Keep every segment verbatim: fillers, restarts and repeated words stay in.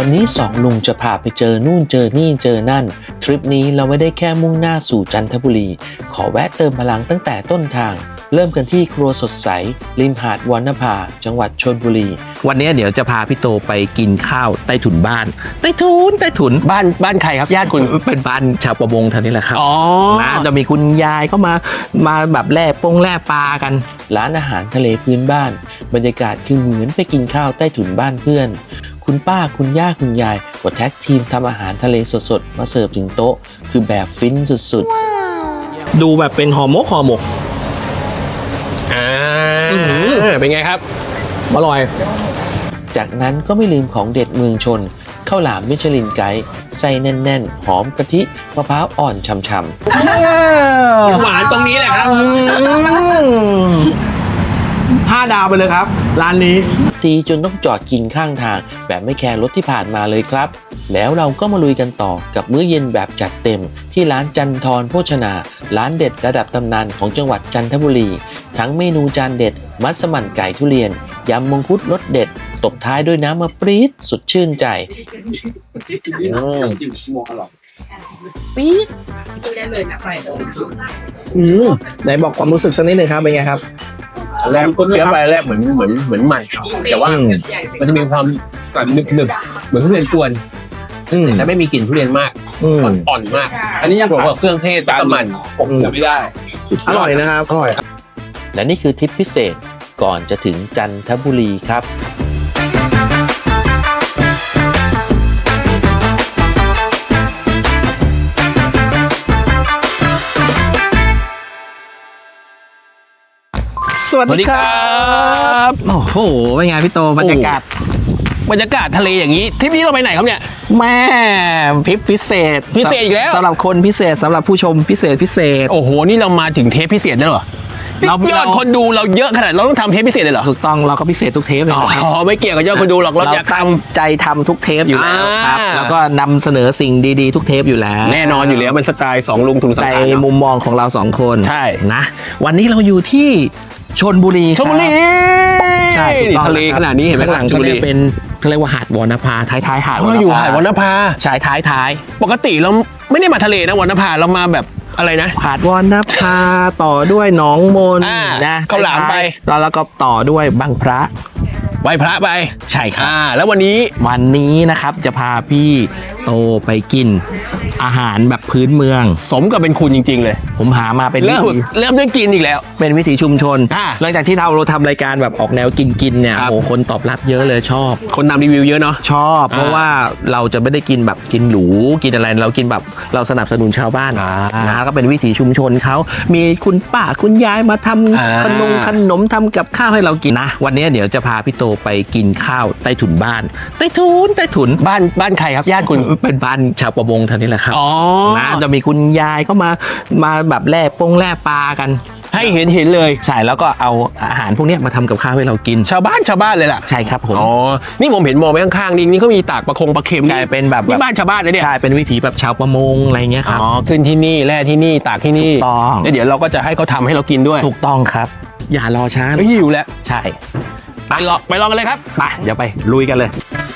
วันนี้สองลุงจะพาไปเจอนู่นเจอนี่เจอนั่นทริปนี้เราไม่ได้แค่มุ่งหน้าสู่จันทบุรีขอแวะเติมพลังตั้งแต่ต้นทางเริ่มกันที่ครัวสดใสริมหาดวรรณภาจังหวัดชลบุรีวันนี้เดี๋ยวจะพาพี่โตไปกินข้าวใต้ถุนบ้านใต้ถุนใต้ถุนบ้านบ้านใครครับญาติคุณเป็นบ้านชาวประมงท่านี้แหละครับอ๋อนะจะมีคุณยายก็มามาแบบแล่ปงแล่ปลากันร้านอาหารทะเลพื้นบ้านบรรยากาศคือเหมือนไปกินข้าวใต้ถุนบ้านเพื่อนคุณป้าคุณย่าคุณยายก็แท็กทีมทำอาหารทะเลสดๆมาเสิร์ฟถึงโต๊ะคือแบบฟินสุดๆดูแบบเป็นห่อหมกห่อหมกอ่าเป็นไงครับอร่อยจากนั้นก็ไม่ลืมของเด็ดเมืองชนข้าวหลามมิชลินไกด์ไส้แน่นๆหอมกะทิมะพร้าวอ่อนฉ่ำๆหวานตรงนี้แหละครับห้าดาวไปเลยครับร้านนี้ดีจนต้องจอดกินข้างทางแบบไม่แคร์รถที่ผ่านมาเลยครับแล้วเราก็มาลุยกันต่อกับมื้อเย็นแบบจัดเต็มที่ร้านจันทรโภชนาร้านเด็ดระดับตำนานของจังหวัดจันทบุรีทั้งเมนูจานเด็ดมัสมั่นไก่ทุเรียนยำมังคุดรสเด็ดตบท้ายด้วยน้ำมะปรี๊ดสุดชื่นใจปี๊ดได้เลยนะไปอืมไหนบอกความรู้สึกสักนิดหนึ่งครับเป็นไงครับแรกเคี้ยวไปแรกเหมือนเหมือนเหมือนใหม่แต่ว่ามันจะมีความหนึบหนึบเหมือนทุเรียนกวนแต่ไม่มีกลิ่นทุเรียนมากอ่อนมากอันนี้ยังบอกว่าเครื่องเทศตามมันผมไม่ได้อร่อยนะครับอร่อยและนี่คือทริปพิเศษก่อนจะถึงจันทบุรีครับสวัสดีครับโอ้โหเป็นไงพี่โตบรรยากาศบรรยากาศทะเลอย่างนี้ทริปนี้เราไปไหนครับเนี่ยแม่ทริปพิเศษพิเศษอีกแล้วสำหรับคนพิเศษสำหรับผู้ชมพิเศษพิเศษโอ้โหนี่เรามาถึงเทปพิเศษแล้วเหรอเรายอดคนดูเราเยอะขนาดเราต้องทำเทปพิเศษเลยเหรอถูกต้องเราก็พิเศษทุกเทปเลยอ๋อไม่เกี่ยวกับยอดคนดูหรอกเราอยากตั้งใจทำทุกเทปอยู่แล้วครับแล้วก็นำเสนอสิ่งดีๆทุกเทปอยู่แล้วแน่นอนอยู่แล้วเป็นสไตล์สองลุงทุนสังในมุมมองของเราสองคนใช่นะวันนี้เราอยู่ที่ชลบุรีชลบุรีใช่ทะเลขนาดนี้เห็นไหมหลังชลบุรีเป็นเขาเรียกว่าหาดวรรณภาท้ายท้ายหาดเราอยู่หาดวรรณภาใช่ท้ายท้ายปกติเราไม่ได้มาทะเลนะวรรณภาเรามาแบบอะไรนะหาดวรรณภาต่อด้วยหนองมนนะข้าวหลามไปแล้วแล้วก็ต่อด้วยบางพระไหว้พระไปใช่ครับแล้ววันนี้วันนี้นะครับจะพาพี่โตไปกินอาหารแบบพื้นเมืองสมกับเป็นคุณจริงๆเลยผมหามาเป็นเริ่มเริ่มด้วยกินอีกแล้วเป็นวิถีชุมชนหลังจากที่เราเราทำรายการแบบออกแนวกินกินเนี่ยโอ้คนตอบรับเยอะเลยชอบคนนำรีวิวเยอะเนาะชอบเพราะว่าเราจะไม่ได้กินแบบกินหรูกินอะไรเรากินแบบเราสนับสนุนชาวบ้านนะก็เป็นวิถีชุมชนเขามีคุณป้าคุณยายมาทำขนมขนมทำกับข้าวให้เรากินนะวันนี้เดี๋ยวจะพาพี่โตไปกินข้าวใต้ถุนบ้านใต้ถุนใต้ถุนบ้านบ้านใครครับญาติคุณเป็นบ้านชาวประมงท่านี้แหละครับอ๋อนะจะมีคุณยายก็มามาแบบแล่ปงแล่ปลากันให้เห็นเห็นเลยใช่แล้วก็เอาอาหารพวกนี้มาทำกับข้าวให้เรากินชาวบ้านชาวบ้านเลยล่ะใช่ครับผมอ๋อนี่ผมเห็นมองไปข้างๆนี่นี่เขามีตากปลาคงปลาเค็มกลายเป็นแบบนี่บ้านชาวบ้านเลยเนี่ยใช่เป็นวิถีแบบชาวประมงอะไรเงี้ยครับอ๋อขึ้นที่นี่แล่ที่นี่ตากที่นี่ถูกต้องแล้วเดี๋ยวเราก็จะให้เขาทำให้เรากินด้วยถูกต้องครับอย่ารอช้าหิวแล้วใช่ไปลองไปลองกันเลยครับไปเดี๋ยวไปลุยกันเลย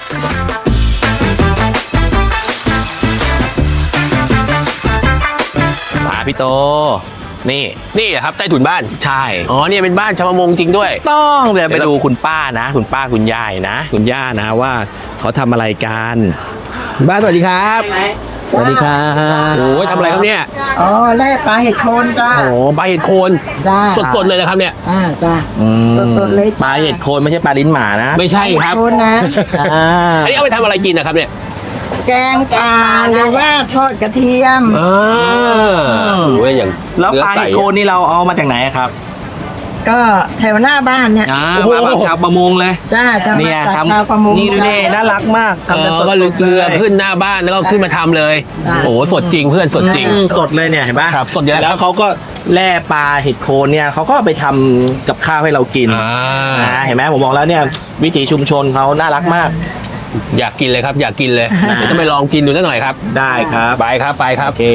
มาพี่โตนี่นี่ครับใต้ถุนบ้านใช่อ๋อเนี่ยเป็นบ้านชาวประมงจริงด้วยต้องเดี๋ยวไปดูคุณป้านะคุณป้าคุณยายนะคุณย่านะว่าเขาทำอะไรกันบ้านสวัสดีครับสวัสดีครับโอ้ยทำอะไรครับเนี่ยอ๋อแล่ปลาเห็ดโคนจ้าโอ้ปลาเห็ดโคนสดๆเลยนะครับเนี่ยอ่าจ้าสดๆเลยปลาเห็ดโคนไม่ใช่ปลาลิ้นหมานะไม่ใช่ครับโคนนะอันนี้เอาไปทำอะไรกินนะครับเนี่ยแกงปลาหรือว่าทอดกระเทียมอ่าโอ้ยอย่างแล้วปลาเห็ดโคนนี่เราเอามาจากไหนครับก็แถวหน้าบ้านเนี่ยมาแบบชาวประมงเลยจ้าจ้าเนี่ยทำชาวประมงนี่ดูดิน่ารักมากทำก็ลึกเรือขึ้นหน้าบ้านแล้วก็ขึ้นมาทำเลยโอ้สดจริงเพื่อนสดจริงสดเลยเนี่ยเห็นป่ะครับสดเยอะแล้วเขาก็แล่ปลาเห็ดโคนเนี่ยเขาก็ไปทำกับข้าวให้เรากินนะเห็นไหมผมบอกแล้วเนี่ยวิถีชุมชนเขาน่ารักมากอยากกินเลยครับอยากกินเลยเดี๋ยวจะไปลองกินดูสักหน่อยครับได้ครับไปครับไปครับโอเค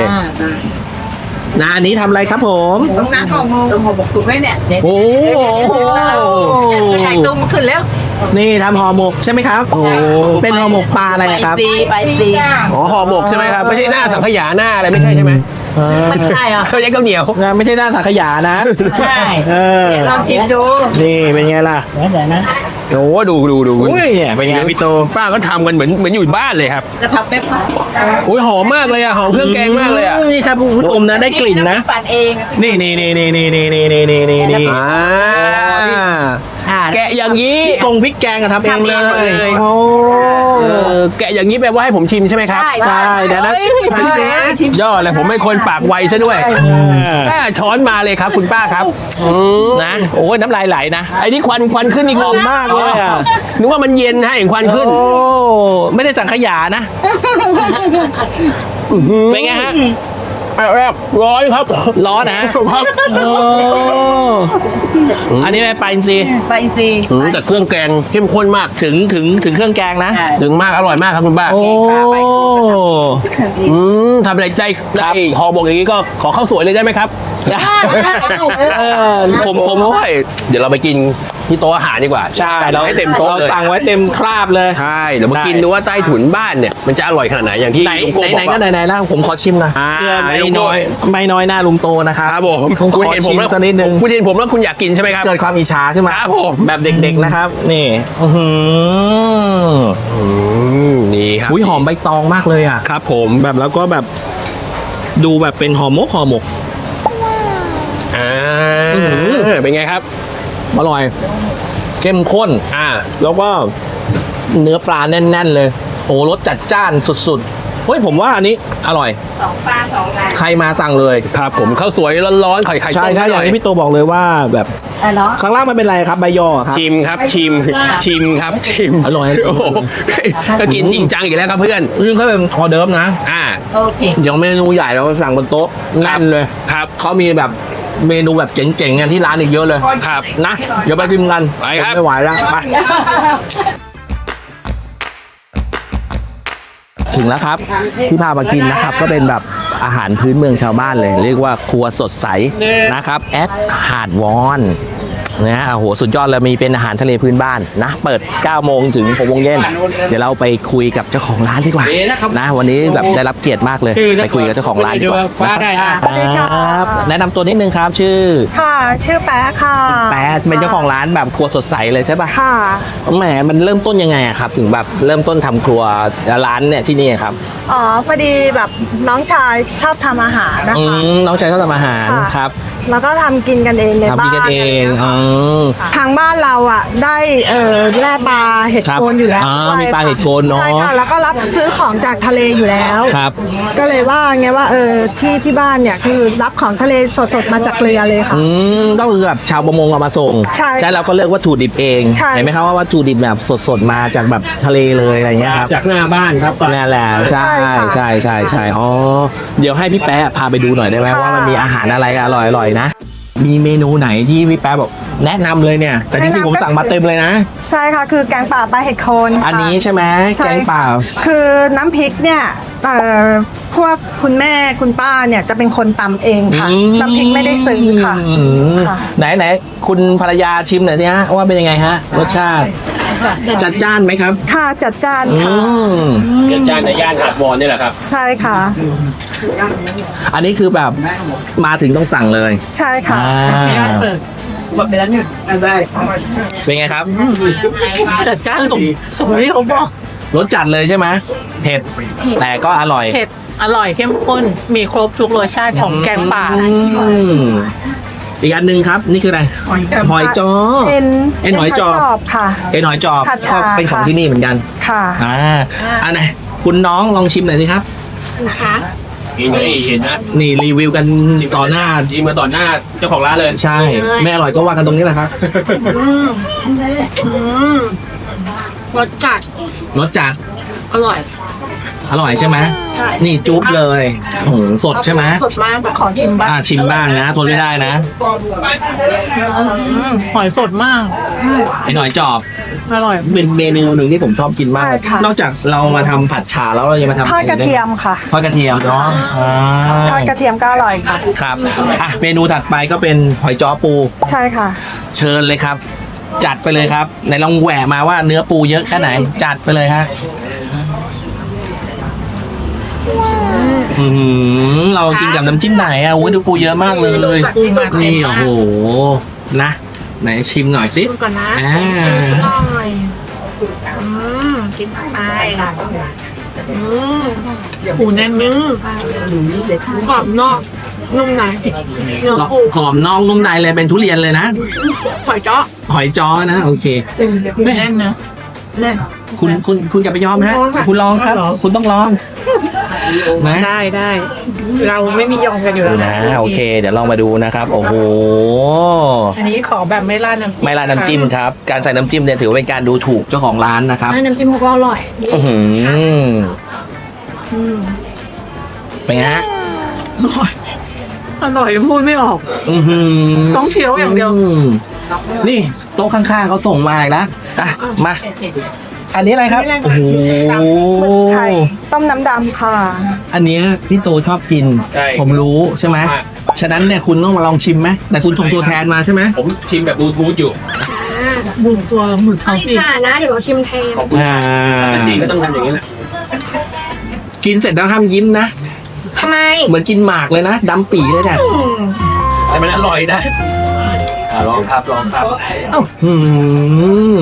นานี้ทำอะไรครับผมน้าทองโมงบอกถูกไหมเนี่ยโอ้โหไข่ตุ้มขึ้นแล้วนี่ทำห่อหมกใช่ไหมครับ โอ้เป็นห่อหมกปลาอะไรครับซีไปซีอ๋อห่อหมกใช่ไหมครับ ไม่ใช่หน้าสังขยาหน้าอะไรไม่ใช่ใช่ไหมไม่ใช่เหรอเขาวยักข้าวเหนียวไม่ใช่หน้าสังขยานะใช่เออลองชิมดูนี่เป็นไงล่ะเดี๋ยวนะโอ้ดูดูดูอุ้ยเนี่ยเป็นไงพี่โตป้าก็ทำกันเหมือนเหมือนอยู่บ้านเลยครับจะพับไม่พับโอ้ยหอมมากเลยอ่ะหอมเครื่องแกงมากเลยอ่ะนี่ครับคุณผู้ชมนะได้กลิ่นนะปั่นเองนี่นี่นี่นี่นี่นี่นี่นี่นี่นี่นี่อ่าอ่าแกะอย่างนี้ตรงพริกแกงอะทำเองเลยโอ้เออแกะอย่างนี้แปลว่าให้ผมชิมใช่ไหมครับใช่เดี๋ยวนะยอดเลยผมเป็นคนปากไวซะด้วยแม่ช้อนมาเลยครับคุณป้าครับนะโอ้ยน้ำลายไหลนะไอ้นี่ควันควันขึ้นนี่หอมมากเลยอ่ะนึกว่ามันเย็นให้เห็นควันขึ้นโอ้ไม่ได้สังขยานะเป็นไงฮะแรกร้อนครับร้อนนะครับอันนี้ไม่ไปอินซีไปซีแต่เครื่องแกงเข้มข้นมากถึงถึงถึงเครื่องแกงนะถึงมากอร่อยมากครับคุณป้าโอ้อืมทำอะไรได้ได้ห่อหมกอย่างนี้ก็ขอข้าวสวยเลยได้ไหมครับเออผมผมโอ้ยเดี๋ยวเราไปกินที่โต๊ะอาหารดีกว่าใช่เราให้เต็มโต๊ะเลยสั่งไว้เต็มคราบเลยใช่เดี๋ยวมากินดูว่าใต้ถุนบ้านเนี่ยมันจะอร่อยขนาดไหนอย่างที่ไหนไหนก็ไหนไหนแล้วผมขอชิมนะเกลือไม่น้อยไม่น้อยหน้าลุงโตนะครับครับผมคุณเห็นผมแล้วสักนิดนึงคุณเห็นผมแล้วคุณอยากกินใช่ไหมครับเกิดความอิจฉาใช่ไหมครับผมแบบเด็กๆนะครับนี่นี่ครับอุ้ยหอมใบตองมากเลยอ่ะครับผมแบบแล้วก็แบบดูแบบเป็นห่อหมกห่อหมกอ่าเป็นไงครับอร่อยเข้มข้นอ่าแล้วก็เนื้อปลาแน่นๆเลยโอ้รสจัดจ้านสุดๆเฮ้ยผมว่าอันนี้อร่อยสองปลาสองอะไรใครมาสั่งเลยครับผมข้าวสวยร้อนๆไข่ไข่ต้มใช่ใช่อย่างที่พี่โตบอกเลยว่าแบบข้างล่างมันเป็นอะไรครับใบยอครับชิมครับชิมชิมครับชิมอร่อยโอ้โหก็กินจริงจังอีกแล้วครับเพื่อนนี่เขาเป็นออเดิร์ฟนะอ่าโอเคยังเมนูใหญ่เราสั่งบนโต๊ะแน่นเลยครับเขามีแบบเมนูแบบเจ๋งๆกันที่ร้านอีกเยอะเลยครับนะเดี๋ยวไปชิมกันไปครับไม่ไหวแล้วไปถึงแล้วครับที่พามากินนะครับก็เป็นแบบอาหารพื้นเมืองชาวบ้านเลยเรียกว่าครัวสดใสนะครับแอดหาดวอนนะโอ้โหสุดยอดเลยมีเป็นอาหารทะเลพื้นบ้านนะเปิดเก้าโมงถึงหกโมงเย็นเดี๋ยวเราไปคุยกับเจ้าของร้านดีกว่านะวันนี้แบบได้รับเกียรติมากเลยไปคุยกับเจ้าของร้านดีกว่าครับแนะนำตัวนิดนึงครับชื่อค่ะชื่อแป๊ะค่ะแป๊ะเป็นเจ้าของร้านแบบครัวสดใสเลยใช่ป่ะค่ะแหมมันเริ่มต้นยังไงอะครับถึงแบบเริ่มต้นทำครัวร้านเนี่ยที่นี่ครับอ๋อพอดีแบบน้องชายชอบทำอาหารนะคะน้องชายชอบทำอาหารครับแล้วก็ทำกินกันเองในบ้านทำกินกันเองทางบ้านเราอ่ะได้เออแร่ปลาเห็ดโคนอยู่แล้วมีปลาเห็ดโคนเนาะใช่ค่ะแล้วก็รับซื้อของจากทะเลอยู่แล้วครับก็เลยว่าไงว่าเออที่ที่บ้านเนี่ยคือรับของทะเลสดๆมาจากเรือเลยค่ะอืมต้องคือแบบชาวประมงเอามาส่งใช่ใช่เราก็เลือกวัตถุดิบเองเห็นไหมครับว่าวัตถุดิบแบบสดๆมาจากแบบทะเลเลยอะไรเงี้ยครับจากหน้าบ้านครับนั่นแหละใช่ใช่ใช่ใช่อ๋อเดี๋ยวให้พี่แป๊ะพาไปดูหน่อยได้ไหมว่ามันมีอาหารอะไรอร่อยๆนะมีเมนูไหนที่พี่แป๊ะบอกแนะนำเลยเนี่ยแต่จริงๆผมสั่งมาเต็มเลยนะใช่ค่ะคือแกงป่าปลาเห็ดโคนอันนี้ใช่ไหมแกงป่าคือน้ำพริกเนี่ยเอ่อพวกคุณแม่คุณป้าเนี่ยจะเป็นคนตำเองค่ะน้ำพริกไม่ได้ซื้อค่ะไหนไหนคุณภรรยาชิมหน่อยสิฮะว่าเป็นยังไงฮะรสชาติจัดจ้านไหมครับค่ะจัดจ้านค่ะจัดจ้านในย่านหาดวอนนี่แหละครับใช่ค่ะอันนี้คือแบบมาถึงต้องสั่งเลยใช่ค่ะหมดไปแล้วหนึ่งได้เป็นไงครับจัดจ้านสมสมที่เขาบอกรสจัดเลยใช่ไหมเผ็ดแต่ก็อร่อยเผ็ดอร่อยเข้มข้นมีครบทุกรสชาติของแกงป่าอีกอันหนึ่งครับนี่คืออะไรหอยจอเอ็นเอ็นหอยจอค่ะเอ็นหอยจอบก็เป็นของที่นี่เหมือนกันค่ะอ่าอันไหนคุณน้องลองชิมหน่อยสิครับนะคะนี่เห็นนะนี่รีวิวกันต่อหน้าทีมาต่อหน้าเจ้าของร้านเลยใช่ไม่อร่อยก็ว่ากันตรงนี้แหละครับรสจัดรสจัดอร่อยอร่อยใช่ไหมใช่นี่จุ๊บเลยโอ้โหสดใช่ไหมสดมากขอชิมบ้างอ่าชิมบ้างนะทนไม่ได้นะหอยสดมากไอ้หน่อยจอบอร่อยเป็นเมนูหนึ่งที่ผมชอบกินมากนอกจากเรามาทำผัดฉ่าแล้วเรายังมาทำทอดกระเทียมค่ะทอดกระเทียมเนาะทอดกระเทียมก็อร่อยค่ะครับอ่ะเมนูถัดไปก็เป็นหอยจ้อปูใช่ค่ะเชิญเลยครับจัดไปเลยครับไหนลองแหวะมาว่าเนื้อปูเยอะแค่ไหน จัดไปเลยฮะอืมเรากินกับน้ำจิ้มไหนอ่ะโอ้ยดูปูเยอะมากเลยนี่โอ้โหนะไหนชิมหน่อยสิชิมก่อนนะอ่าชิมหน่อยอืมกินไปอืมหูแน่นนึงกรอบนอกนุ่มในเนื้อปูกรอบนอกนุ่มในเลยเป็นทุเรียนเลยนะหอยเจาะหอยจ้อนะโอเคแน่นนะแน่นคุณคุณคุณอย่าไปยอมฮะ คุณลองครับ คุณต้องลองนะได้ได้เราไม่มียอมกันอยู่แล้วนะโอเค เดี๋ยวลองมาดูนะครับ โอ้โหอันนี้ขอแบบไม่ราดน้ำจิ้มไม่ราดน้ำจิ้มครับ การใส่น้ำจิ้มเนี่ยถือว่าเป็นการดูถูกเจ้าของร้านนะครับน้ำจิ้มเขาก็อร่อยอื้อหือเป็นไงฮะอร่อยพูดไม่ออกอื้อหือต้องเคี้ยวอย่างเดียวมนี่โต๊ะข้างๆเขาส่งมาอีกนะอ่ะมา อันนี้อะไรครับโอ้โหหมึกไข่ต้มน้ำดำค่ะอันเนี้ยพี่โตชอบกิน ผมรู้ใช่ไหมฉะนั้นเนี่ยคุณต้องมาลองชิมไหมแต่คุณส่งตัวแทนมาใช่ไหมผมชิมแบบบลูทูธอยู่บุกตัวหมึกเขาสิค่ะนะเดี๋ยวเราชิมแทนขอบคุณอ่าจริงก็ต้องทำอย่างนี้แหละกินเสร็จแล้วห้ามยิ้มนะทำไมเหมือนกินหมากเลยนะดำปีเลยเนี่ยแต่มันอร่อยนะอ่ะลองครับลองครับเอ้าอืม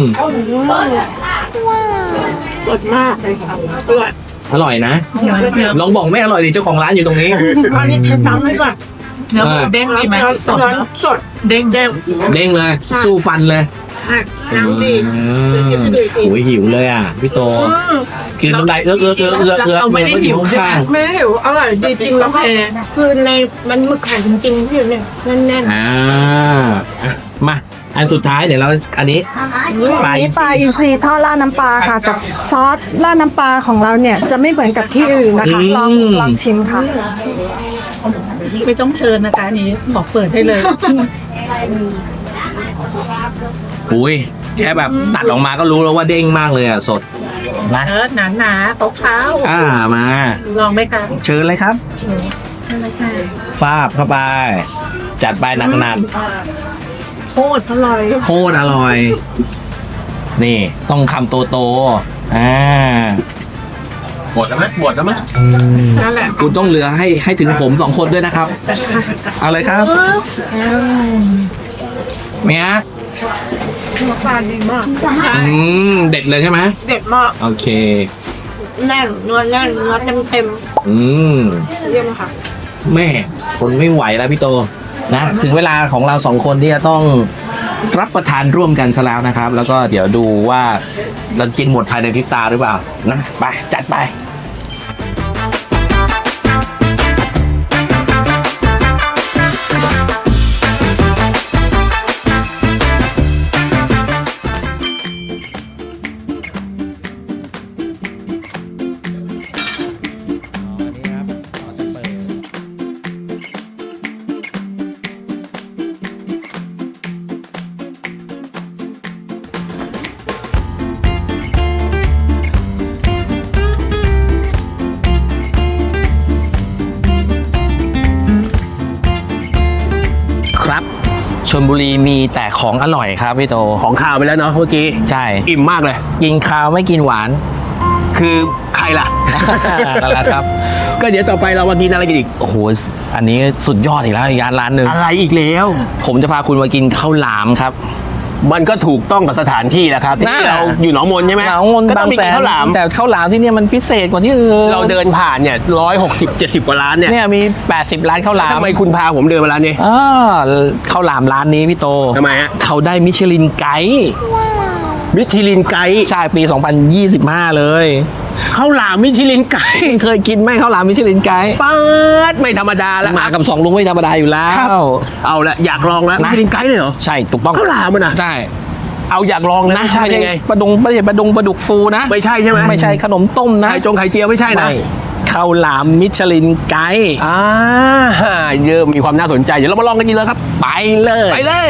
สดมากอร่อยอร่อยนะเนื้อลองบอกไม่อร่อยดิเจ้าของร้านอยู่ตรงนี้อันนี้จำไว้ก่อนเนื้อหมูเด้งดีไหมสดสดเด้งเด้งเด้งเลย สู้ฟันเลยน้ำดีอืมโอ้ยหิวเลยอ่ะพี่โตกินน้ำลายเอื้อกเอื้อกเอื้อกเอื้อกเอื้อกเราไม่ได้หิวข้างไม่ได้หิวอร่อยดีจริงแล้วแพคือในมันหมึกไข่จริงๆพี่เนี่ยแน่นอ่าอ่ะมาอันสุดท้ายเดี๋ยวเราอันนี้ ปลาอันนี้ปลาอินทรีทอดราดน้ำปลาค่ะกับซอสราดน้ำปลาของเราเนี่ยจะไม่เหมือนกับที่อื่นนะคะ ลองลองชิมค่ะๆไม่ต้องเชิญนะคะอันนี้บอกเปิดให้เลยอุ้ยแค่แบบตัดออกมาก็รู้แล้วว่าเด้งมากเลยอ่ะสดนะเออหนาหนาๆขาวอ่ามาๆลองไหมคะเชิญเลยครับใช่ไหมคะฟาบเข้าไป จัดไปหนักหนักโคตรอร่อยๆโคตรอร่อย นี่ต้องคำโตโตๆอ่าหมดแล้วไหมหมดแล้วไหมนั่นแหละคุณต้องเหลือให้ให้ถึงผมสองคนด้วยนะครับ เอาเลยครับเมียปลาดีมากอืมเด็ดเลยใช่ไหมเด็ดมากโอเคแน่นเนื้อแน่นเนื้อเต็มเต็มอืมๆเยี่ยมค่ะแม่คนไม่ไหวแล้วพี่โตนะ ถึงเวลาของเราสองคนที่จะต้องรับประทานร่วมกันซะแล้วนะครับ แล้วก็เดี๋ยวดูว่าเรากินหมดภายในพริบตาหรือเปล่านะไปจัดไป ครับชลบุรีมีแต่ของอร่อยครับพี่โตของข่าวไปแล้วเนาะเมื่อกี้ใช่อิ่มมากเลยกินข้าวไม่กินหวานคือใครล่ะนั่นแหละครับก็เดี๋ยวต่อไปเรามากินอะไรกันอีกโอ้โหอันนี้สุดยอดอีกแล้วอีกร้านร้านหนึ่งอะไรอีกแล้วผมจะพาคุณมากินข้าวหลามครับมันก็ถูกต้องกับสถานที่แหละครับที่น่าเราอยู่หนองมนใช่ไหมหนองมนก็ต้บาองงมีแสกินนข้าวหลามแต่ข้าวหลามที่เนี่ยมันพิเศษกว่าที่อื่นเราเดินผ่านเนี่ยร้อยหกสิบเจ็ดสิบกว่าร้านเนี่ยเนี่ยมีแปดสิบร้านข้าวหลามทำไมคุณพาผมเดินมาร้านนี้อ่าข้าวหลามร้านนี้พี่โตทำไมฮะเขาได้มิชลินไกด์มิชลินไกด์ใช่ปี สองพันยี่สิบห้า เลยข้าวหลามมิชลินไกด์เคยกินไหมข้าวหลามมิชลินไกด์ป๊าดไม่ธรรมดาแล้วมากับสองลุงไม่ธรรมดาอยู่แล้ครับวเอาละอยากลองแล้วนะมิชลินไกด์เลยเหรอใช่ถูกต้องข้าวหลามมันอ่ะได้เอาอยากลองเลยนะใช่ไม่ยัใช่งไงปลาดงไม่ใช่ปลาดงปลาดุกฟูนะไม่ใช่ใช่ไหมไม่ใช่ขนมต้มนะไข่จงไข่เจียวไม่ใช่นะไม่ข้าวหลามมิชลินไกด์อ่าเยอะมีความน่าสนใจเดี๋ยวเรามาลองกันดีเลยครับไปเลยไปเลย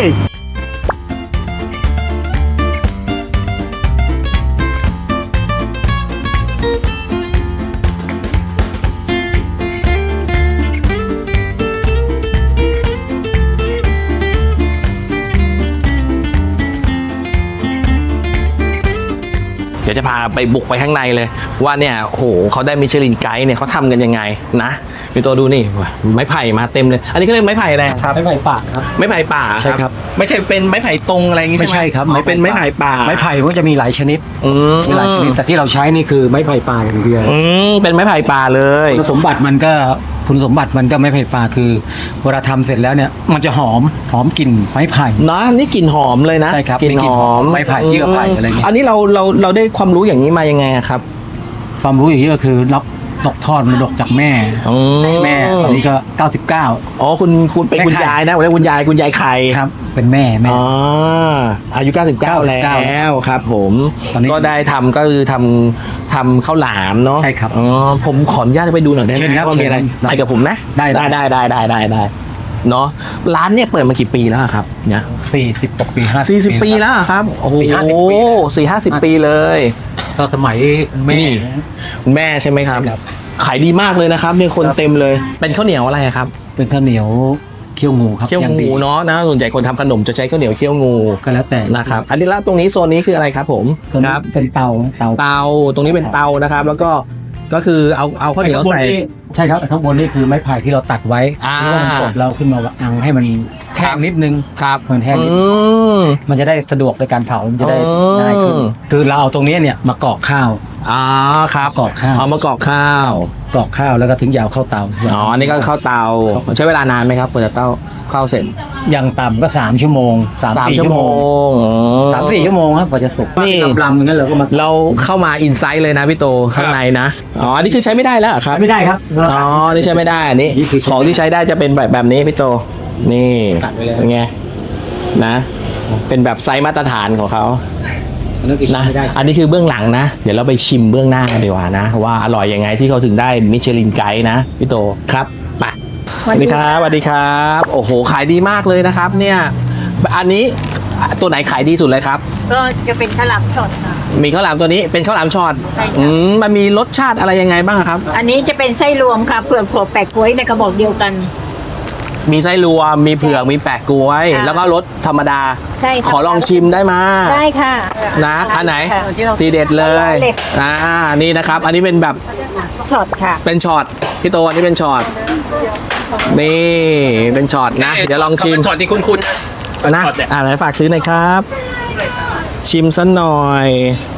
เดี๋ยวจะพาไปบุกไปข้างในเลย ว่าเนี่ยโหเขาได้มิชลินไกด์เนี่ยเขาทำกันยังไงนะพี่ตัวดูนี่ไม้ไผ่มาเต็มเลย อันนี้ก็เรียกไม้ไผ่อะไรครับไม้ไผ่ป่าครับไม้ไผ่ป่าใช่ครับไม่ใช่เป็นไม้ไผ่ตรงอะไรอย่างงี้ใช่ไหมไม่ใช่ครับไม่เป็นไม้ไผ่ป่าไม้ไผ่มันก็จะมีหลายชนิดอืมมีหลายชนิดแต่ที่เราใช้นี่คือไม้ไผ่ป่าอย่างเดียวอืมเป็นไม้ไผ่ป่าเลยคุณสมบัติมันก็คุณสมบัติมันก็ไม้ไผ่ป่าคือเวลาทำเสร็จแล้วเนี่ยมันจะหอมหอมกลิ่นไม้ไผ่นะนี่กลิ่นหอมเลยนะใช่ครับกลิ่นมีกลิ่หนอหอมมไม้ไผ่เยื่อไผ่อะไรเงี้ยอันนี้เราเราเราได้ความรู้อย่างนี้มายังไงอะครับความรู้อย่างนี้ก็คือรับตกทอดมรดกจากแม่อืมแม่ตอนนี้ก็เก้าสิบเก้าอ๋อคุณคุณเป็นแม่คุณไข่ยายนะผมเรียกคุณยายคุณยายไข่ครับเป็นแม่แม่อ๋ออายุเก้าสิบเก้าเก้าสิบแล้เก้าวครับ ผมตอนนี้ก็ได้ทำก็คือทำทำข้าวหลามเนาะใช่ครับอ๋อผมขออนุญาตไปดูหน่อยได้ไหเชิมญครับว่ามีอะไรเชิญครับไปกับผมนะได้ได้ได้ได้ได้ได้ได้เนาะร้านเนี่ยเปิดมากี่ปีแล้วอะครับเนี่ยสี่สิบกว่าปีห้าสี่สิบปีแล้วอะครับโอ้โหสี่ห้าสิบปีสี่ห้าสิบปีเลยก็สมัยแม่นี่ คุณแม่ใช่ไหมครับครับขายดีมากเลยนะครับเนี่ยคนเต็มเลย เป็นข้าวเหนียวอะไรครับเป็นข้าวเหนียวเคี่ยวงูครับเคี่ยวางงูดีเนาะนะส่วนใหญ่คนทำขนมจะใช้ข้าวเหนียวเคี่ยวงูก็แล้วแต่นะครับ อันนี้แล้วตรงนี้โซนนี้คืออะไรครับผมส่วนนี้เป็นเตาเตาเตาตรงนี้เป็นเตานะครับ แล้วก็ก็คือเอาเอาข้าวเหนียวใส่ใช่ครับข้างบนนี่คือไม้ไผ่ที่เราตัดไว้อ่าที่ว่ามันสดเราขึ้นมาวางให้มันแห้งนิดนึงครับมันแห้งนิดอืมมันจะได้สะดวกในการเผามันจะได้อืมง่ายขึ้นคือเราเอาตรงนี้เนี่ยมากรอกข้าวอ๋อครับกรอกข้าวเอามากรอกข้าวกรอกข้าวแล้วก็ถึงยาวเข้าเตาอ๋ออันนี้ก็เข้าเตาใช้เวลานานไหมครับกว่าจะเต้าเข้าเสร็จอย่างต่ำก็สามชั่วโมงสามสามสี่ชั่ชั่ววโมโมงงอ๋อสามสี่ชั่วโมงครับกว่าจะสุกนี่ลำๆอย่างนั้นเราก็มาเราเข้ามาอินไซต์เลยนะพี่โตข้างในนะอ๋ออันนี้คือใช้ไม่ได้แล้วเหรอครับไม่ได้ครับอ๋อ นี่ใช้ไม่ได้ อันนี้นี่คือใช้ของที่ใช้ได้จะเป็นแบบแบบนี้พี่โต นี่ตัดไว้เลยเป็นไง นะ เป็นแบบไซส์มาตรฐานของเขาอันนั้นคือนะใช้ไม่ได้อันนี้คือเบื้องหลังนะ เดี๋ยวเราไปชิมเบื้องหน้ากันดีกว่านะ ว่าอร่อยยังไงที่เขาถึงได้มิชลินไกด์นะพี่โต ครับไปสวัสดีครับสวัสดีครับ โอ้โห ขายดีมากเลยนะครับ เนี่ย อันนี้ตัวไหนขายดีสุดเลยครับก็จะเป็นข้าวหลามสดค่ะมีข้าวหลามตัวนี้เป็นข้าวหลามช็อตใช่ค่ะอืมมันมีรสชาติอะไรยังไงบ้างครับอันนี้จะเป็นไส้รวมค่ะเผือกถั่วแปะกล้วยในกระบอกเดียวกันมีไส้รวม มีเผือก มีแปะกล้วยค่ะแล้วก็รสธรรมดาใช่ค่ะขอลองชิมได้มาได้ค่ะนะอันไหนค่ะทีเด็ดเลยเด็ดอ่านี่นะครับ อันนี้เป็นแบบช็อตค่ะเป็นช็อตพี่โตอันนี้เป็นช็อตนี่เป็นช็อตนะ เดี๋ยวลองชิมช็อตที่คุณคุณนะช็อตเนี่ยอ่าไหนฝากซื้อหน่อยครับ ชิมสักหน่อย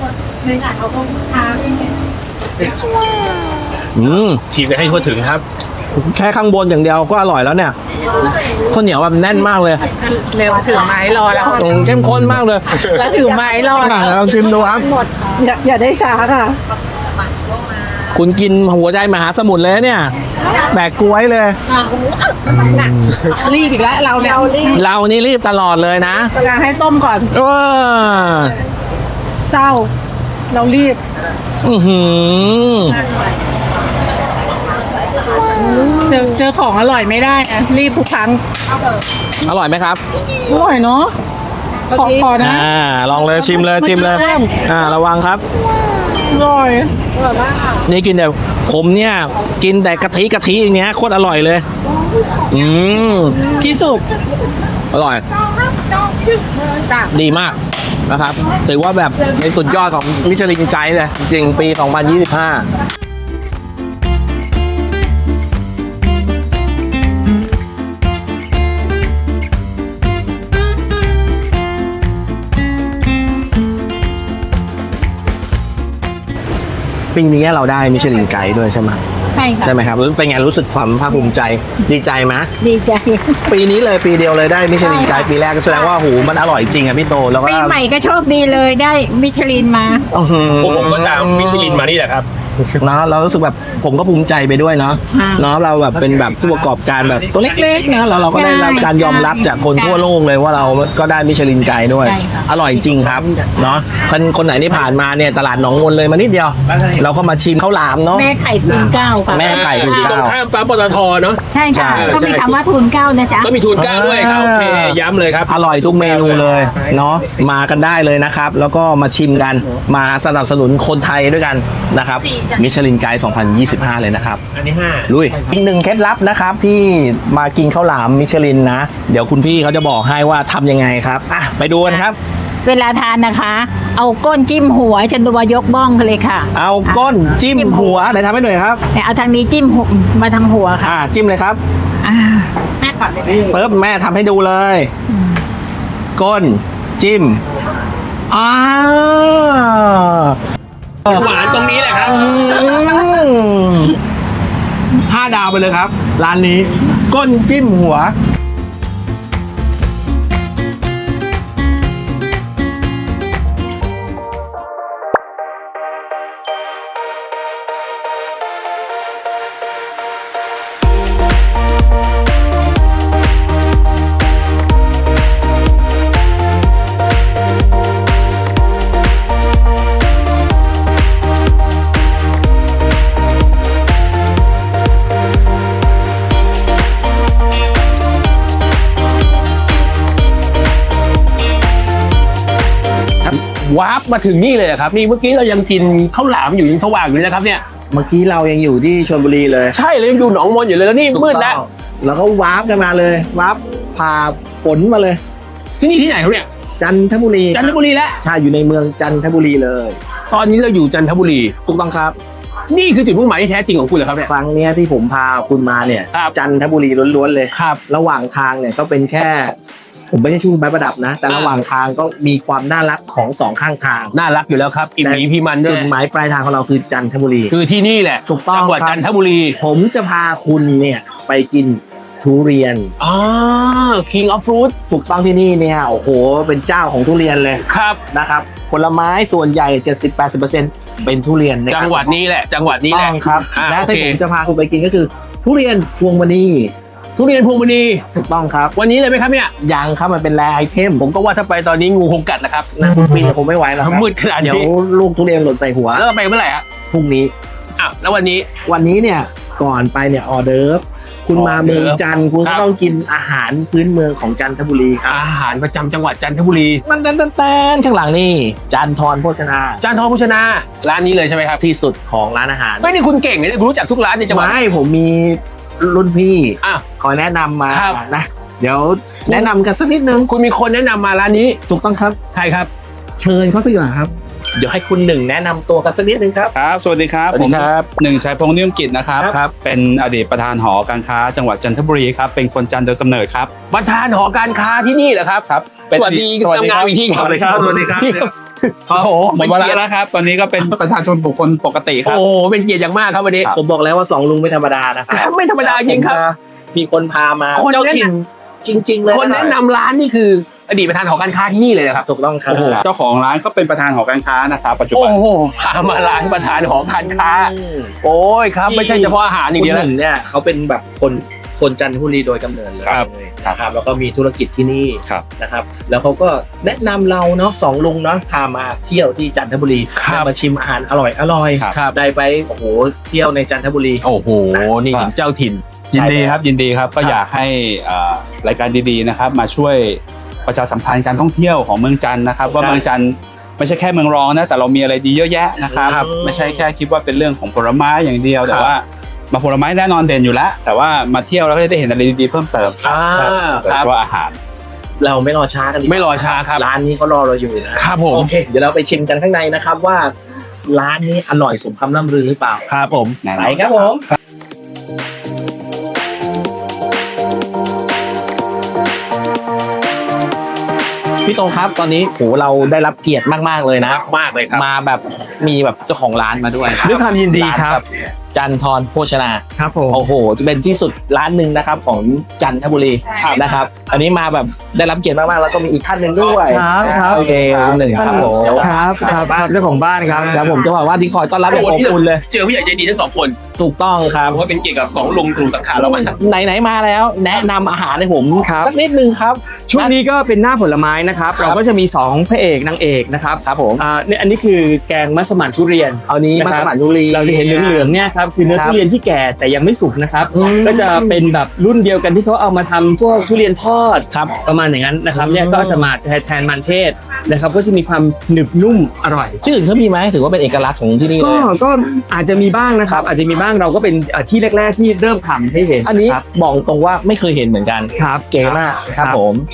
อืมฉีกไปให้ทั่วถึงครับแค่ข้างบนอย่างเดียวก็อร่อยแล้วเนี่ยข้าวเหนียวแบบแน่นมากเลยเร็วถือไม้รอแล้วอืมเข้มข้นมากเลยแล้วถือไม้รออ่ะลองชิมดูครับอย่าอย่าได้ช้าค่ะคุณกินหัวใจมหาสมุทรเลยนะเนี่ย แบกกล้วยเลยรีบอีกแล้วเราเนี่ยเรานี่รีบตลอดเลยนะเวลาให้ต้มก่อนเออเจ้า เรารีบอื้อหือเจอเจอของอร่อยไม่ได้นะรีบทุกครั้งอร่อยไหมครับอร่อยเนาะขอขอนะอ่า ลองเลยชิมเลยชิมเลย อ่า ระวังครับอร่อยนี่กินแต่ผมเนี่ย กินแต่กะทิกะทิอย่างเงี้ยโคตรอร่อยเลย อืมที่สุดอร่อย ดีมากนะครับ ถือว่าแบบในสุดยอดของมิชลินไกด์เลย จริงปี สองพันยี่สิบห้า ปีนี้เราได้มิชลินไกด์ด้วยใช่ไหมใช่ค่ะใช่ไหมครับเป็นไงรู้สึกความภาคภูมิใจดีใจไหมดีใจปีนี้เลยปีเดียวเลยได้มิชลินไกด์ปีแรกก็แสดงว่าหูมันอร่อยจริงอะพี่โตแล้วก็ปีใหม่ก็โชคดีเลยได้มิชลินมาอื้อหือผมก็ตามมิชลินมานี่แหละครับเนาะเรารู้สึกแบบผมก็ภูมิใจไปด้วยเนาะค่ะเนาะเราแบบเป็นแบบผู้ประกอบการแบบตัวเล็กๆนะแล้วเราก็ได้รับการยอมรับจากคนทั่วโลกเลยว่าเราก็ได้มิชลินไกด์ด้วยใช่ค่ะอร่อยจริงครับเนาะคนคนไหนที่ผ่านมาเนี่ยตลาดหนองมนเลยมานิดเดียว เราก็มาชิมข้าวหลามเนาะแม่ไข่ทุนเก้าค่ะแม่ไก่ถูกที่ตรงเก้าข้ามปั๊มปตทเนาะใช่ค่ะใช่ก็มีคำว่าทุนเก้านะจ๊ะก็มีทูนเก้าด้วยครับโอเคย้ำเลยครับอร่อยทุกเมนูเลยเนาะมากันได้เลยนะครับ แล้วก็มาชิมกันมาสนับสนุนคนไทยด้วยกันนะครับมิชลินไกด์สองพันยี่สิบห้าเลยนะครับอันนี้ห้าลุยอีกหนึ่งเคล็ดลับนะครับที่มากินข้าวหลามมิชลินนะ เดี๋ยวคุณพี่เขาจะบอกให้ว่าทำยังไงครับอ่ะไปดูกันครับเวลาทานนะคะเอาก้นจิ้มหัวฉันตัวยกบ้องเลยค่ะเอาก้นจิ้มหัวไหนทำให้หน่อยครับเนี่ยเอาทางนี้จิ้มหัวมาทางหัวค่ะอ่าจิ้มเลยครับอ่าแม่ก่อนเลยปึ๊บแม่ทำให้ดูเลย ก้นจิ้มอ้าหวานตรงนี้แหละครับห้าดาวไปเลยครับ ร้านนี้ ก้นจิ้มหัววาร์ปมาถึงนี่เลยเหรอครับ นี่เมื่อกี้เรายังกินข้าวหลามอยู่ยังสว่างอยู่เลยนะครับเนี่ยเมื่อกี้เรายังอยู่ที่ชลบุรีเลยใช่เลยยังอยู่หนองมนอยู่เลยแล้วนี่มืดแล้วถูกต้องแล้วก็วาร์ปกันมาเลยวาร์ปผ่าฝนมาเลยที่นี่ที่ไหนครับเนี่ยจันทบุรีจันทบุรีแล้วใช่อยู่ในเมืองจันทบุรีเลยตอนนี้เราอยู่จันทบุรีถูกต้องครับนี่คือจุดมุ่งหมายที่แท้จริงของคุณเหรอครับเนี่ยครั้งเนี้ยที่ผมพาคุณมาเนี่ยครับจันทบุรีล้วนๆเลยครับระหว่างทางเนี่ยก็เป็นแค่ ผมไม่ใช่ชูไม้ประดับนะ แต่อ่าระหว่างทางก็มีความน่ารักของสองข้างทางน่ารักอยู่แล้วครับอิ่มหมีพีมันด้จุวยดหมายปลายทางของเราคือจันทบุรีคือที่นี่แหละถูกต้องจังหวัดครับจันทบุรีผมจะพาคุณเนี่ยไปกินทุเรียนอ๋อ King of Fruit ถูกต้องที่นี่เนี่ยโอ้โหเป็นเจ้าของทุเรียนเลยครับนะครับผลไม้ส่วนใหญ่ เจ็ดสิบถึงแปดสิบเปอร์เซ็นต์ เป็นทุเรียนนะครับจังหวัดนี้แหละ จังหวัดนี้แหละต้องครับอ่าและโอที่เคผมจะพาคุณไปกินก็คือ ทุเรียนพวงมณีทุเรียนพวงมณีถูกต้องครับวันนี้เลยไหมครับเนี่ยยังครับมันเป็นแรไอเทมผมก็ว่าถ้าไปตอนนี้งูคงกัดนะครับนะคุณปีนคงไม่ไหวแล้วครับมืดขนาดนี้เดี๋ยวลูกทุเรียนหล่นใส่หัวแล้วเราไปเมื่อไหร่อะพรุ่งนี้อ่ะแล้ววันนี้วันนี้เนี่ยก่อนไปเนี่ยออเดิร์ฟคุณมาเมืองจันทร์คุณครัก็บต้องกินอาหารพื้นเมืองของจันทบุรีครับอาหารประจำจังหวัดจันทบุรีนั่นนั่นนั่นข้างหลังนี่จันทรโภชนาจานทองโภชนาร้านนี้เลยใช่ไหมครับที่สุดของร้านอาหารไม่นี่คุณเก่งเนี่ยคุณรู้จักทุกร้านในจังหวัดไม่ผมมีรุ่นพี่อ่ะคอยแนะนำมาครับนะเดี๋ยวแนะนำกันสักนิดนึงคุณมีคนแนะนำมาร้านนี้ถูกต้องครับใครครับเชิญเขาสักหน่อยครับ เดี๋ยวให้คุณหนึ่งแนะนำตัวกันสักนิดนึงครับครับ สวัสดีครับสวัสดีครับผมหนึ่งชัยพงษ์นิยมกิจนะครับครับเป็นอดีตประธานหอการค้าจังหวัดจันทบุรีครับ เป็นคนจันทร์โดยกำเนิดครับประธานหอการค้าที่นี่เหรอครับครับสวัสดีทำงานอีกทีครับสวัสดีครับ สวัสดีครับโอ้โหหมเป็ดนเวลาเกียรติแล้วครับ ตอนนี้ก็เป็นประชาชนบุคคลปกติครับโอ้โหเป็นเกียรติอย่างมากครับวันนี้ผมบอกแล้วว่าสองลุงไม่ธรรมดานะครับครับไม่ธรรมดาจริงครับผมจะมีคนพามาคนเจ้าแนะนำถิ่นจริง ๆ เลยคนแนะนำร้านนี่คืออดีตประธานหอการค้าที่นี่เลยนะครับถูกต้องครับโอ้โหเจ้าของร้านก็เป็นประธานหอการค้านะครับ ปัจจุโอ้บันโหพามาร้านประธานหอการค้าอืมโอ้ยครับไม่ใช่เฉพาะอาหารอย่างคุณเดียวหนะนึ่งเนี่ยเขาเป็นแบบคนคนจันทบุรีโดยกำเนิดเลยครับนะครับแล้วก็มีธุรกิจที่นี่ครับนะครับ แล้วเขาก็แนะนำเราเนาะสองลุงเนาะพามาเที่ยวที่จันทบุรีครับได้มาชิมอาหารอร่อยอร่อยครับได้ไปโอ้โหเที่ยวในจันทบุรีโอ้โหนี่ถึงเจ้าถิ่นยินดีครับ ยินดีครับ ก็อยากให้อ่ารายการดีๆนะครับ มาช่วยประชาสัมพันธ์การท่องเที่ยวของเมืองจันทร์นะครับ ว่าเมืองจันทร์ไม่ใช่แค่เมืองรองนะ แต่เรามีอะไรดีเยอะแยะนะครับครับไม่ใช่แค่คิดว่าเป็นเรื่องของผลไม้อย่างเดียว แต่ครับว่ามาผลไม้แน่นอนเด่นอยู่แล้ว แต่ว่ามาเที่ยวแล้วก็ได้เห็นอะไรดีๆเพิ่มเติมอ่าโดยคเฉรับพาะอาหารเราไม่รอช้ากันดีกว่าไม่รอช้าครับร้านนี้เขารอเราอยู่นะครับผมโอเค เดี๋ยวเราไปชิมกันข้างในนะครับว่า ร้านนี้อร่อยสมคำล่ำลือหรือเปล่าครับผมแน่นไปอนครับผม พี่โตครับตอนนี้โหเราได้รับเกียรติมากๆเลยนะมากเลยครับมาแบบมีแบบเจ้าของร้านมาด้วยด้วยความยินดีครับานแจันทรโภชนาครับผมโอ้โหจะเป็นที่สุดร้านหนึ่งนะครับของจันทบุรีนะครับ อันนี้มาแบบได้รับเกียรติมากๆแล้วก็มีอีกท่านหนึ่งด้วยครับครับโอเคหนึ่งครับผมครับครับครับเจ้าของบ้านครับครับผมจะบอกว่าที่คอยต้อนรับอย่างอบอุ่นเลยเจอผู้ใหญ่ใจดีทั้งสองคนถูกต้องครับผมว่าเป็นเกียรติกับสองลุงกลุ่มสังขารเรามาไหนๆมาแล้ว แนะนำอาหารให้ผมครับสักนิดนึงครับช่วงนี้ก็เป็นหน้าผลไม้นะครับครับเราก็จะมีสองพระเอกนางเอกนะครับครับผมอ่าเนี่ยอันนี้คือแกงมัสมั่นทุเรียนเอานี้มานะครับสมัครยุรีเราจะเห็นเหลืองๆเนี่ยครับคือเนื้อครับทุเรียนที่แก่แต่ยังไม่สุกนะครับอืมก็จะเป็นแบบรุ่นเดียวกันที่เขาเอามาทำพวกทุเรียนทอดครับประมาณอย่างนั้นนะครับอืมเนี่ยก็จะมาแทนมันเทศนะครับ ก็จะมีความหนึบนุ่มอร่อยชื่ออื่นเขามีไหมถือว่าเป็นเอกลักษณ์ของที่นี่เลก็ยก็อาจจะมีบ้างนะครับ อาจจะมีบ้างเราก็เป็นเอ่อที่แรก ๆ ที่เริ่มทำให้เห็นอันนี้ครับบอกตรงว่าไม่เคยเห็นเหมือนกันครับเก๋มากครับผม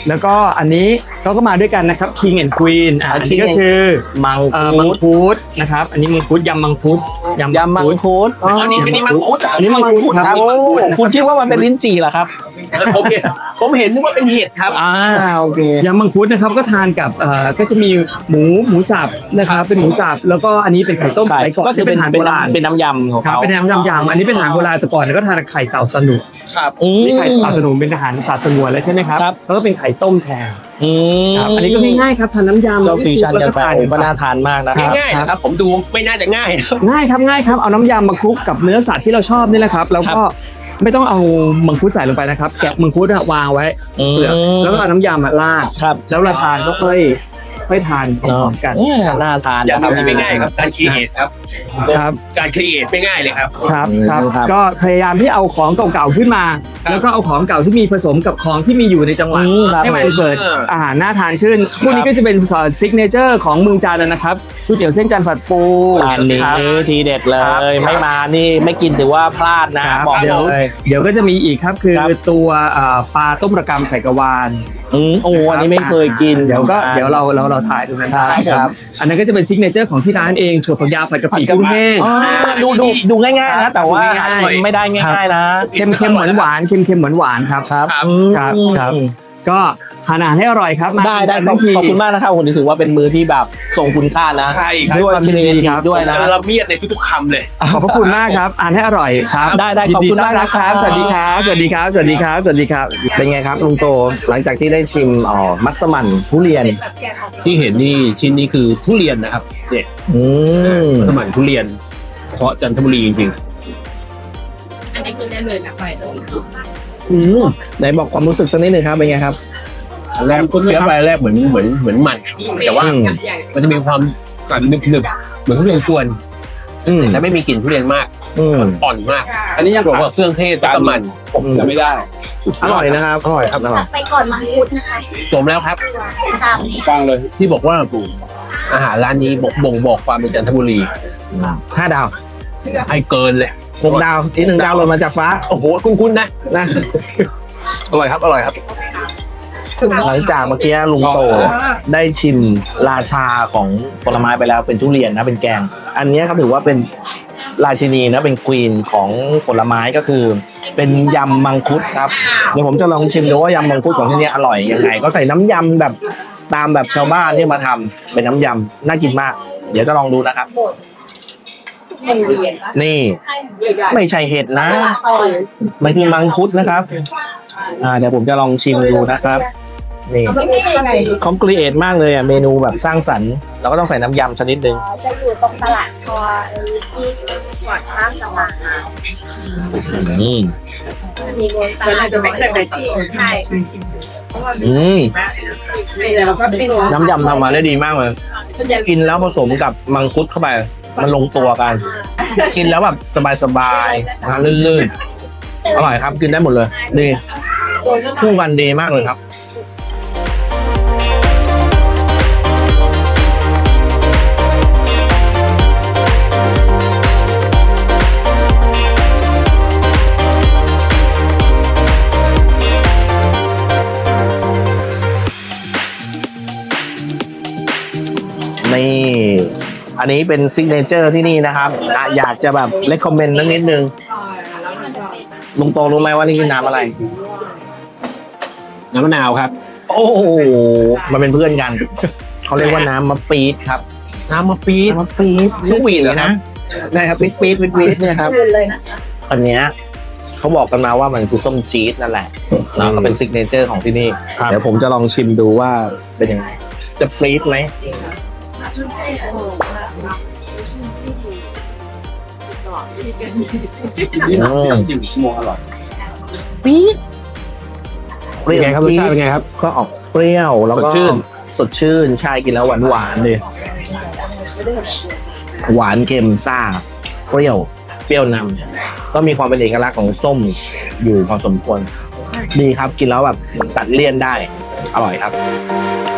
แล้วก็อันนี้เขาก็มาด้วยกันนะครับ King and Queen อ่ะอ่าอัน King นี้ก็ and คือมังเอ่อคุมังดคุดนะครับอันนี้มังคุดยำมังคุดยำมังคุดอ๋ออันนี้อันนี้มังคุดอ่ะอันนี้มังคุดครับโอ้คุณคิดว่ามันเป็นลิ้นจี่เหรอครับผมเห็นผมเห็นนึกว่าเป็นเห็ดครับอ่าโอเคยำมังคุดนะครับก็ทานกับเอ่อก็จะมีหมูหมูสับนะครับเป็นหมูสับแล้วก็อันนี้เป็นไข่ต้มสมัยก่อนก็คือเป็นอาหารเป็โบนราณน้ำเป็นน้ำยำของครับเขาเป็นน้ำยำยำอันนี้เป็นอาหารโบราณแต่ก่อนก็ทานกับไข่เต่าสนุกครับอืมนี่ไข่เต่าสนุกเป็นอาหารสัตว์สงวนแล้วใช่ไหมครับครับแล้วก็เป็นไข่ต้มแทนอืมครับอันนี้ก็ง่ายๆครับทานน้ำยำเราฟิวชั่นกันไปแล้วโอ้ก็ทาน่าทานมากนะครับง่ายๆนะครับ ผมดูไม่น่าจะง่ายนะครับง่ายครับง่ายครับเอาน้ำยำมาคลุกกับเนื้อสัตว์ที่เราชอบนี่แหละครับแล้วก็ไม่ต้องเอามังคุดใส่ลงไปนะครับแกะมังคุดอะวางไว้อืมเปลือกแล้วก็เอาน้ำยำมาราดครับแล้วเราทานก็ค่อยค่อยทานพร้อมๆกันเอ้ยน่าทานอย่านะครับทำไม่ง่ายครับ การครีเอทครับครับการครีเอทไม่ง่ายเลยครับครับอืมครับครับก็พยายามที่เอาของเก่าๆขึ้นมา แล้วก็เอาของเก่าที่มีผสมกับของที่มีอยู่ในจังหวัดอืมครับให้มันเกิดอาหารน่าทานขึ้นพวกนี้ก็จะเป็นซิกเนเจอร์ของเมืองจันทร์นะครับก๋วยเตี๋ยวเส้นจันทร์ผัดปูอันนี้ครับทีเด็ดเลครับย ไม่มานี่ไม่กินถือว่าพลาดนะบอกเดี๋ยวเลยเดี๋ยวก็จะมีอีกครับคือครับตัวเอ่อปลาต้มระกำใส่กระวานอืมโอ้อันนี้ไม่เคยกินเดี๋ยวก็เดี๋ยวเราเราเราถ่ายดูกันครับครับอันนั้นก็จะเป็นซิกเนเจอร์ของที่ร้านเองถั่วฝักยาวผัดกะปิกุ้งแห้งอ๋อดูดูดูง่ายๆนะ แต่ว่าดูง่ายๆไม่ได้ง่ายๆนะเค็มเค็มหวานหวานเค็มเค็มหวานหวานครับครับครับครับก็ทานอาหารให้อร่อยครับมาได้ได้ขทั้อบงทีขอบคุณมากนะครับผมถือว่าเป็นมือที่แบบทรงคุณค่านะใช่ครับด้วยครีเอทีฟด้วยนะเจอละเมียดในทุกๆคำเลยขอบพระคุณมากครับอ่านให้อร่อยครับได้ได้ขอบคุณมากยินดีต้นรับครับนะครับสวัสดีครับสวัสดีครับสวัสดีครับสวัสดีครับเป็นไงครับลุงโตหลังจากที่ได้ชิมอ๋อมัสมั่นทุเรียนที่เห็นนี่ชิ้นนี้คือทุเรียนนะครับเนี่ยอืมสมันทุเรียนเฉพาะจันทบุรีจริงอืมไหนบอกความรู้สึกสักนิดหนึ่งครับเป็นไงครับๆอันแรกเคี้ยวไปแรกเหมือนเหมือนเหมือนมันแต่ว่าอืมมันจะมีความกรึบหนึบๆเหมือนทุเรียนกวนอืมแต่ไม่มีกลิ่นทุเรียนมากอืมอ่อนมากอันนี้ยังบอกว่าเครื่องเทศแล้วก็มันผมจะไม่ได้อร่อยนะครับอร่อยครับอร่อยไปก่อนมังคุดนะคะจมแล้วครับตามฟังเลยที่บอกว่าอาหารร้านนี้บอกบ่งบอกความเป็นจันทบุรีห้าดาวให้เกินเลยหกดาวอีกหนึ่งดาวหล่นมาจากฟ้าโอ้โหคุ้นๆนะนะอร่อยครับอร่อยครับหลังจากเมื่อกี้ลุงโตได้ชิมราชาของผลไม้ไปแล้วเป็นทุเรียนนะเป็นแกง อันนี้ครับถือว่าเป็นราชินีนะเป็นควีนของผลไม้ก็คือ เป็นยำมังคุดครับเดี๋ยวผมจะลองชิมดูว่ายำมังคุดของที่นี่อร่อยยังไงก็ใส่น้ำยำแบบตามแบบชาวบ้านที่มาทำเป็นน้ำยำน่ากินมาก เดี๋ยวจะลองดูนะครับ นี่ ไม่ใช่เห็ดนะไม่คือมังคุดนะครับ อ่าเดี๋ยวผมจะลองชิมดูนะครับ นี่คอมครีเอทมากเลยอ่ะเมนูแบบสร้างสรรค์เราก็ต้องใส่น้ำยำชนิดนึงจะอยู่ตรงตลาดพอที่ก่อนข้ามจังหวัดมาอืมมีรวมตลาดใช่อืมน้ำยำทำมาได้ดีมากเลยกินแล้วผสมกับมังคุดเข้าไป มันลงตัวกัน กินแล้วแบบสบายๆนะลื่นๆอร่อยครับกินได้หมดเลยดีคู่กันดีมากเลยครับ นี่ อันนี้เป็นซิกเนเจอร์ที่นี่นะครับอ่ะอยากจะแบบเลคคอมเมนต์นิดนึงลุงโตรู้ไหมว่านี่คือน้ำอะไรน้ำมะนาวครับโอ้โหมันเป็นเพื่อนกัน เขาเรียกว่าน้ำมะปี๊ดครับน้ำมะปี๊ดน้ำมะปี๊ดชื่อหวีดเหรอครับนะครับปี๊ดปี๊ดปี๊ดปี๊ดเนี่ยครับเลยนะอันเนี้ยเขาบอกกันมาว่ามันคือส้มจี๊ดนั่นแหละแล้วก็เป็นซิกเนเจอร์ของที่นี่ เดี๋ยวผมจะลองชิมดูว่าเป็นยังไง จะฟรีดไหมอืมจิ้มชั่วโมงอร่อยปี๊ดเปรี้ยวเป็นไงครับรสชาติเป็นไงครับก็ออกเปรี้ยวแล้วก็สดชื่นสดชื่นใช่กินแล้วหวานหวานๆเลยหวานเค็มซ่าเปรี้ยวเปรี้ยวนำก็มีความเป็นเอกลักษณ์ของส้มอยู่พอสมควรดีครับกินแล้วแบบตัดเลี่ยนได้อร่อยครับ